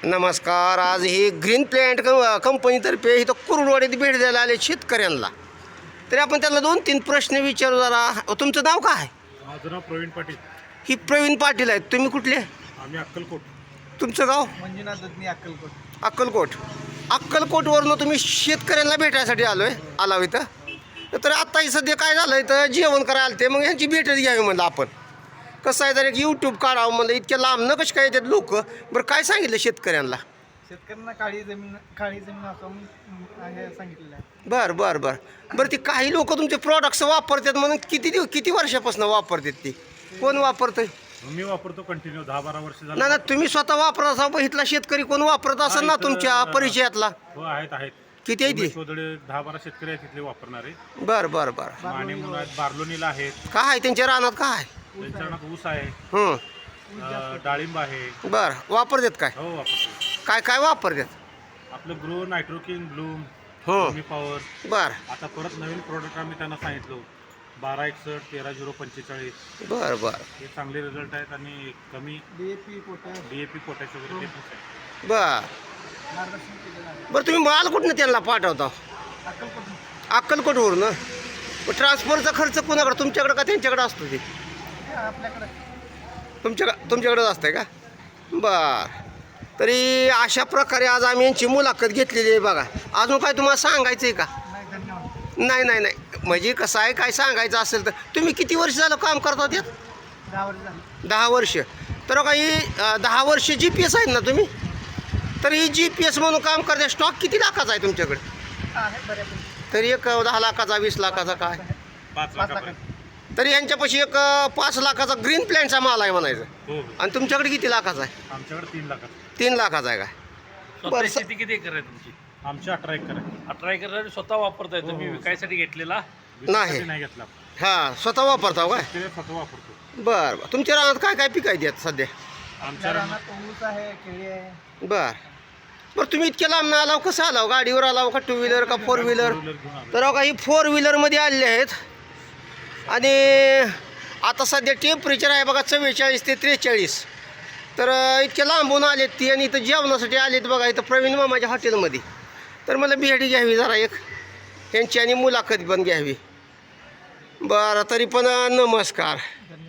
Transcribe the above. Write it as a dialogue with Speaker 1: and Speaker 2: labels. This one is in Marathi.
Speaker 1: नमस्कार. आज ही ग्रीन प्लॅन्ट कंपनीतर्फे इथं कुरुडवाडीत भेट द्यायला आले शेतकऱ्यांना. तरी आपण त्यांना 2-3 प्रश्न विचारू. जरा तुमचं नाव काय?
Speaker 2: माझं नाव प्रवीण पाटील.
Speaker 1: ही प्रवीण पाटील आहेत. तुम्ही कुठले?
Speaker 2: आम्ही अक्कलकोट.
Speaker 1: तुमचं गाव?
Speaker 3: मंजुनाथ दत्नी, अक्कलकोट.
Speaker 1: अक्कलकोट. अक्कलकोटवरनं तुम्ही शेतकऱ्यांना भेटायसाठी आला इथं. तर आत्ताही सध्या काय झालं इथं जेवण करायला आलं ते, मग ह्यांची भेटच घ्यावी म्हणलं आपण. कसं आहे तर एक यूट्यूब काढावं म्हणलं. इतक्या लांब न कशी काय येतात लोक. बरं काय सांगितलं शेतकऱ्यांना?
Speaker 3: शेतकऱ्यांना काळी जमीन असं हे सांगितलेलं आहे.
Speaker 1: बरं ती काही लोक तुमचे प्रॉडक्ट्स वापरतात म्हणून किती वर्षापासून वापरतात ती? कोण वापरतंय?
Speaker 2: मी वापरतो कंटिन्यू 10-12 वर्ष झालं.
Speaker 1: ना तुम्ही स्वतः वापरत असा बघितला शेतकरी कोण वापरत असेल ना तुमच्या परिचयातला?
Speaker 2: हो, आहेत.
Speaker 1: किती आहे ती?
Speaker 2: 10-12 शेतकरी आहेत तिथले वापरणारे.
Speaker 1: बरं
Speaker 2: माने म्हणून आहेत, बार्लोनीला आहेत.
Speaker 1: काय आहे त्यांच्या रानात? काय
Speaker 2: त्यांच्या रानात ऊस आहे, डाळिंब आहे.
Speaker 1: बरं वापरतात काय?
Speaker 2: हो, वापरतो.
Speaker 1: काय वापरतात?
Speaker 2: आपलं ग्रो, नायट्रोकिन, ब्लूम, पॉवर.
Speaker 1: बरं
Speaker 2: आता परत नवीन प्रोडक्ट आम्ही त्यांना सांगितलं 1261, 13-045.
Speaker 1: बरं
Speaker 2: हे चांगले रिझल्ट आहेत आणि कमी
Speaker 3: DAP, पोटॅश,
Speaker 2: पोटॅश वगैरे ते पण आहे.
Speaker 3: मार्गदर्शन केलेलं आहे.
Speaker 1: बरं तुम्ही माल कुठनं त्यांना पाठवता?
Speaker 3: अक्कलकोट
Speaker 1: अक्कलकोटवरून. मग ट्रान्सफरचा खर्च कोणाकडे, तुमच्याकडे का त्यांच्याकडे असतो? ते
Speaker 3: आपल्याकडे
Speaker 1: तुमच्याकडेच असतंय का? बरं. तरी अशा प्रकारे आज आम्ही यांची मुलाखत घेतलेली आहे. बघा अजून काय तुम्हाला सांगायचं आहे का?
Speaker 3: नाही. धन्यवाद.
Speaker 1: नाही म्हणजे कसं आहे, काय सांगायचं असेल तर तुम्ही किती वर्ष झालं काम करता त्यात?
Speaker 3: 10 वर्ष झाली.
Speaker 1: 10 वर्ष. तर काही 10 वर्ष GPS आहेत ना तुम्ही? तर ही GPS म्हणून काम करते. स्टॉक किती लाखाचा आहे तुमच्याकडे?
Speaker 3: आहे बऱ्यापैकी.
Speaker 1: तरी एक 10 लाखाचा, 20 लाखाचा काय?
Speaker 2: 5 लाखापर्यंत.
Speaker 1: तरी यांच्यापाशी एक 5 लाखाचा ग्रीन प्लॅन्टचा माल आहे म्हणायचं.
Speaker 2: हो.
Speaker 1: आणि तुमच्याकडे किती लाखाचा आहे?
Speaker 2: आमच्याकडे 3 लाखाचं.
Speaker 1: 3 लाखाचा आहे काय?
Speaker 4: स्वतः शेती किती एकर आहे तुमची?
Speaker 2: आमचे 18 एकर आहे.
Speaker 4: 18 एकर स्वतः वापरताय तुम्ही? विकायसाठी घेतलेला?
Speaker 1: नाही.
Speaker 2: नाही घेतला.
Speaker 1: हां स्वतः वापरता काय?
Speaker 2: ते स्वतः वापरतो.
Speaker 1: बरं. तुमच्या रानात काय पीक आहे त्यात सध्या?
Speaker 2: आमच्या रानात
Speaker 3: रानात ऊस आहे, केळी आहे.
Speaker 1: बरं तुम्ही इतक्या लांब ना आलाव, कसं आलाव? गाडीवर आलाव का 2 व्हीलर का 4 व्हीलर?
Speaker 2: घेऊन आलो.
Speaker 1: तर काही 4 व्हीलरमध्ये आलेले आहेत. आणि आता सध्या टेम्परेचर आहे बघा 44 ते 43. तर इतक्या लांबून आलेत ती आणि इथं जेवणासाठी आलेत बघा इथं प्रवीण मामाच्या हॉटेलमध्ये. तर मला भेट घ्यावी जरा एक यांची आणि मुलाखत पण घ्यावी. बरं तरी पण नमस्कार.
Speaker 3: धन्यवाद.